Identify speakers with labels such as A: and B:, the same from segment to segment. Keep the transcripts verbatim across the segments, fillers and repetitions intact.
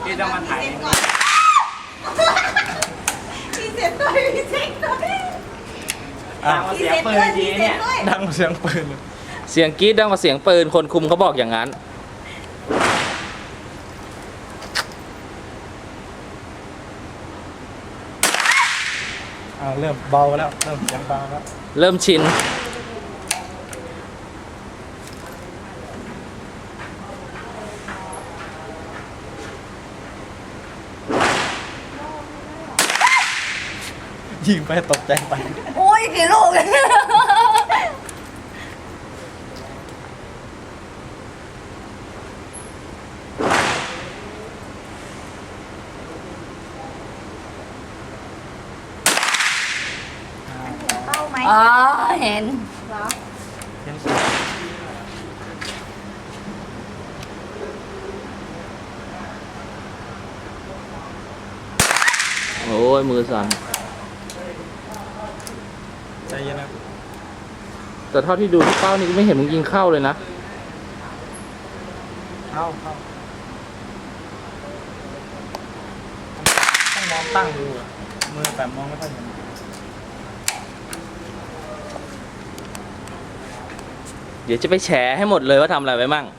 A: พี่ต้องมาถ่าย
B: พี่เซ็ตด้วยพี่เซ็ตด้วย
A: ดังกว่าเสียงปืนจริงเนี่ย
C: ดังเสียงปืนเลย
D: เสียงกรี๊ดดังกว่าเสียงปืนคนคุมเขาบอกอย่างนั้น
C: อ่าเริ่มเบาแล้วเริ่มเสียงเบาแล้ว
D: เริ่มชิน
C: ยิงไปตกใจไป
B: โอ้ยกี่ลูกเป้าไหม
E: อ๋อเห็น
B: เหรอ
C: เห็น
D: โอ้ยมือสั่น
C: ใจเย็นนะ
D: แต่เท่าที่ดูที่เป้านี่ก็ไม่เห็นมึงยิงเข้าเลยนะ
C: เข้าเข้าต้องมองตั้งดูอะมือแต่มองไม่ค่อยเห็น
D: เดี๋ยวจะไปแฉให้หมดเลยว่าทำอะไรไว้มั่ง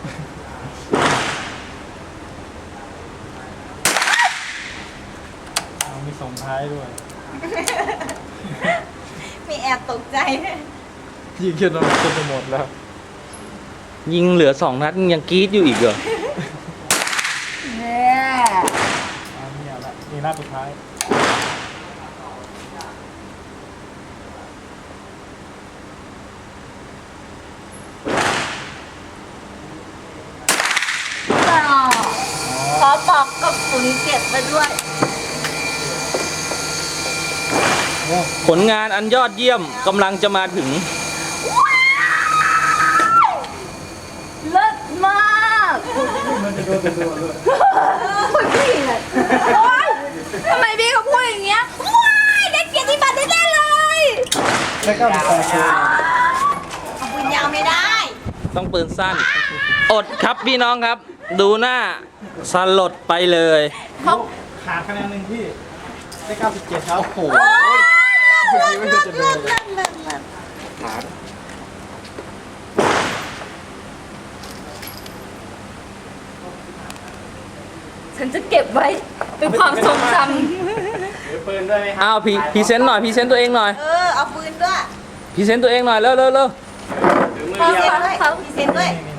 C: เอามีส่งท้ายด้วย
B: มีแอบตกใจด้วย
C: ยิงจนจนจะหมดแล้ว
D: ยิงเหลือสองนัดมึงยังกรี๊ดอยู่อีกเหรอ
E: เนี่ย
C: อ่านี่เอาละนี่หน้าสุดท้าย
E: ต่อขอบอกกับฝุ่นเก็บไปด้วย
C: โอ้
D: ผลงานอันยอดเยี่ยมกำลังจะมาถึง
E: เลิศมาก
C: มันจะโดนจะโดนเลย
E: คุณพี่เลยโอ๊ยทำไมพี่เขาพูดอย่างเงี้ยว้ายได้เกียรติบัตรแน่ๆเลย
C: ได้เก้าสิบแปดคน
B: เอาปืนยาวไม่ได้
D: ต้องปืนสั้น อดครับพี่น้องครับ ดูหน้าสลดไปเลย
E: เขา
C: ขาดคะแนนหนึ่งพี่ได้เก้าสิบเจ็ดครับโอ้โห
B: เลิศเลิศเลิศเลิศเลิศเลิศ
C: ขาด
E: ฉันจะเก็บไว้เป็นความทรงจ
A: ถือปืนด้วยไหมครั
D: อ้าวพรีพรีเซนต์หน่อยพรีเซนต์ตัวเองหน่อย
B: เออเอาปืนด้วย
D: พรีเซนต์ตัวเองหน่อยเร็วเร็วเร็ว
A: ถือมือ
B: พรี
A: เดี
B: เซ็
A: ยว
B: ตด้วยพรีเซ็ตด้วย
C: นี่